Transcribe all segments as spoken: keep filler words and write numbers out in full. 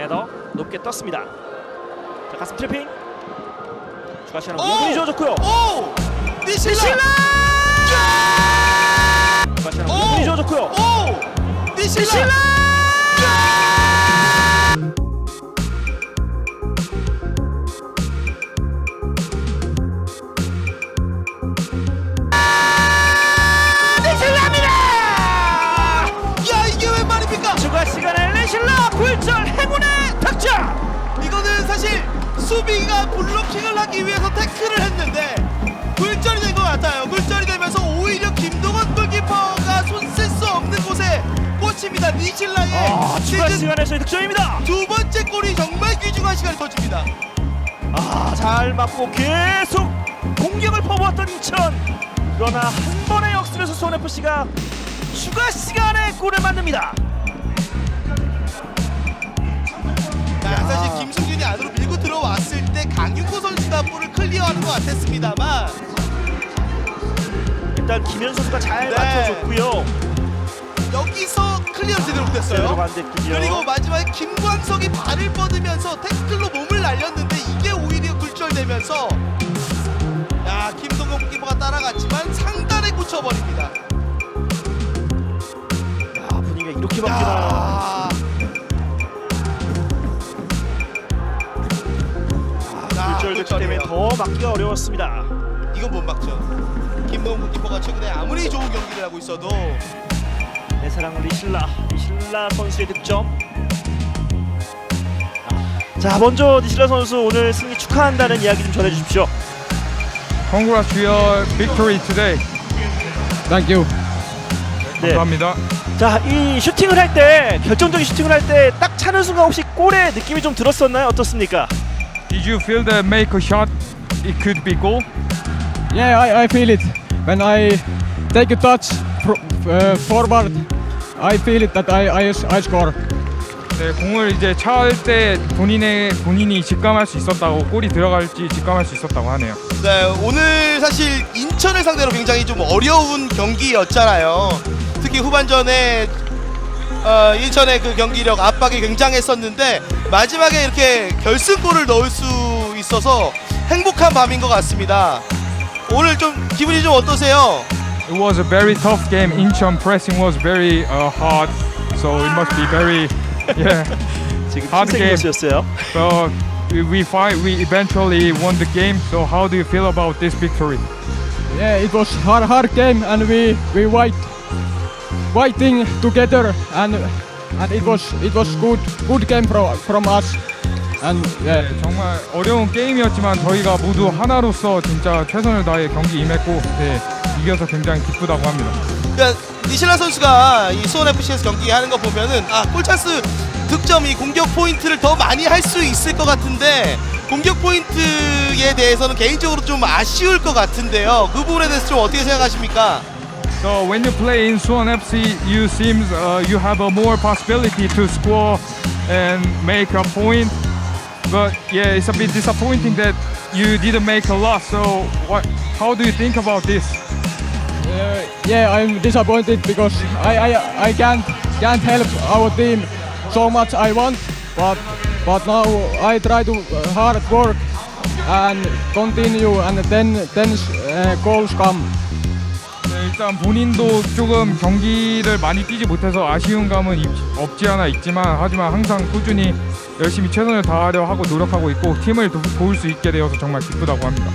헤더 높게 떴습니다. 자, 가슴 트래핑. 추가 시간은 오 분이 주어졌고요. 오! 니실라! 니실라! 추가 시간은 오 분이 주어졌고요. 오! 니실라! 니실라! 추가 시간에 레실라 굴절 행운의 득점! 이거는 사실 수비가 블로킹을 하기 위해서 태클을 했는데 굴절이 된 것 같아요. 굴절이 되면서 오히려 김동원 골키퍼가 손 쓸 수 없는 곳에 꽂힙니다. 니실라의 아, 추가 시즌 시간에서의 득점입니다. 두 번째 골이 정말 귀중한 시간을 거칩니다. 아, 잘 맞고 계속 공격을 퍼부었던 인천. 그러나 한 번의 역습에서 수원에프씨가 추가 시간에 골을 만듭니다. 자, 사실 김승준이 안으로 밀고 들어왔을 때 강윤구 선수가 볼을 클리어하는 것 같았습니다만 일단 김현 선수가 잘 네. 맞춰줬고요. 여기서 클리어 제대로 못했어요. 그리고 마지막에 김광석이 발을 뻗으면서 태클로 몸을 날렸는데 이게 오히려 굴절되면서 야, 김동건 골키퍼가 따라갔지만 상단에 꽂혀버립니다. 야, 분위기가 이렇게 바뀌나요? 야. 굴절됐기 때문에 더 막기가 어려웠습니다. 이건 못 막죠. 김동훈 골키퍼가 최근에 아무리 좋은 경기를 하고 있어도 내 사랑 리실라 리실라 선수의 득점. 자, 먼저 리실라 선수 오늘 승리 축하한다는 이야기 좀 전해주십시오. Congrats to your victory today. Thank you. 네. 감사합니다. 자, 이 슈팅을 할 때 결정적인 슈팅을 할 때 딱 차는 순간 혹시 골의 느낌이 좀 들었었나요? 어떻습니까? Did you feel that make a shot it could be goal? Yeah, I, I feel it. When I take a touch pro, uh, forward, I feel it that I, I, I score. 네, 공을 이제 차을 때 본인의 본인이 직감할 수 있었다고 골이 들어갈지 직감할 수 있었다고 하네요. 네, 오늘 사실 인천을 상대로 굉장히 좀 어려운 경기였잖아요. 특히 후반전에 어, 인천의 그 경기력 압박이 굉장했었는데 마지막에 이렇게 결승골을 넣을 수 있어서 행복한 밤인 것 같습니다. 오늘 좀 기분이 좀 어떠세요? It was a very tough game. Incheon pressing was very uh, hard, so it must be very yeah. 지금 hard 팀생 game. 선수였어요. But we we fight. We eventually won the game. So how do you feel about this victory? Yeah, it was hard, hard game, and we we fight, fighting together, and and it was it was good good game from from us, and yeah. 네, 정말 어려운 게임이었지만 저희가 모두 하나로서 진짜 최선을 다해 경기 임했고 네, 이겨서 굉장히 기쁘다고 합니다. 그러니까 니실라 선수가 이 수원에프씨에서 경기하는 거 보면은 아, 골찬스 득점이 공격 포인트를 더 많이 할 수 있을 것 같은데 공격 포인트에 대해서는 개인적으로 좀 아쉬울 것 같은데요. 그 부분에 대해서 좀 어떻게 생각하십니까? So when you play in Suwon 에프씨, you seems uh, you have a more possibility to score and make a point. But yeah, it's a bit disappointing that you didn't make a lot. So what? How do you think about this? Uh, yeah, I'm disappointed because I, I, I can't can't help our team so much I want, but but now I try to uh, hard work and continue, and then then uh, goals come. 네, 일단 본인도 조금 경기를 많이 뛰지 못해서 아쉬운 감은 있- 없지 않아 있지만 하지만 항상 꾸준히 열심히 최선을 다하려 하고 노력하고 있고 팀을 도, 도울 수 있게 되어서 정말 기쁘다고 합니다.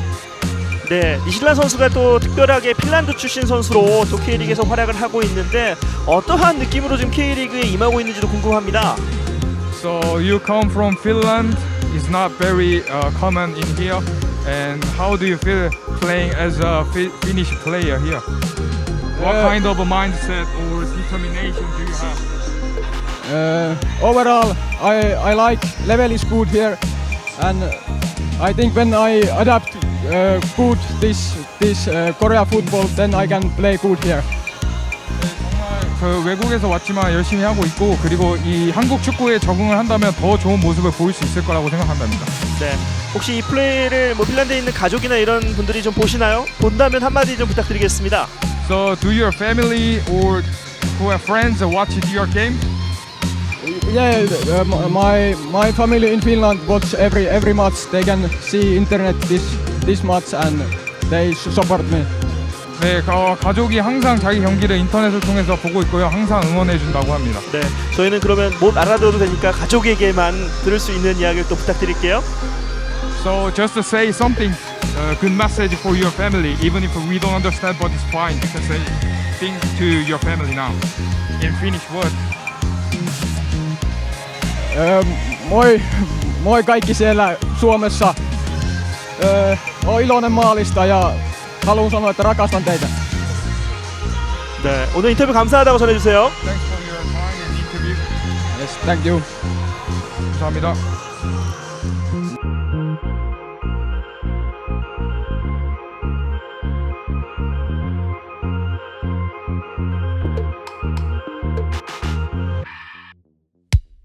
네, 니실라 선수가 또 특별하게 핀란드 출신 선수로 또 K리그에서 활약을 하고 있는데 어떠한 느낌으로 지금 K리그에 임하고 있는지도 궁금합니다. So you come from Finland, it's not very uh, common in here. And how do you feel playing as a fi- Finnish player here? What Uh, kind of a mindset or determination do you have? Uh, overall, I, I like level is good here, and I think when I adapt uh, good this this uh, Korea football, then I can play good here. 정말 그 외국에서 왔지만 열심히 하고 있고 그리고 이 한국 축구에 적응을 한다면 더 좋은 모습을 보일 수 있을 거라고 생각한답니다. 네, 혹시 이 플레이를 뭐 핀란드에 있는 가족이나 이런 분들이 좀 보시나요? 본다면 한마디 좀 부탁드리겠습니다. So do your family or who have friends watch your game? Yeah, uh, my my family in Finland watch every every match. They can see internet this this match and they support me. 네, 가, 가족이 항상 자기 경기를 인터넷을 통해서 보고 있고요. 항상 응원해 준다고 합니다. 네, 저희는 그러면 못 알아들어도 되니까 가족에게만 들을 수 있는 이야기를 또 부탁드릴게요. So just to say something, uh, good message for your family. Even if we don't understand, but it's fine. You can say things to your family now in Finnish word. Ö, moi, moi kaikki siellä Suomessa. Ö, Oon iloinen maalista ja haluan sanoa, että rakastan teitä. 네, 오늘 인터뷰 감사하다고 전해주세요. Thanks for your time and interview. Yes, thank you. 감사합니다.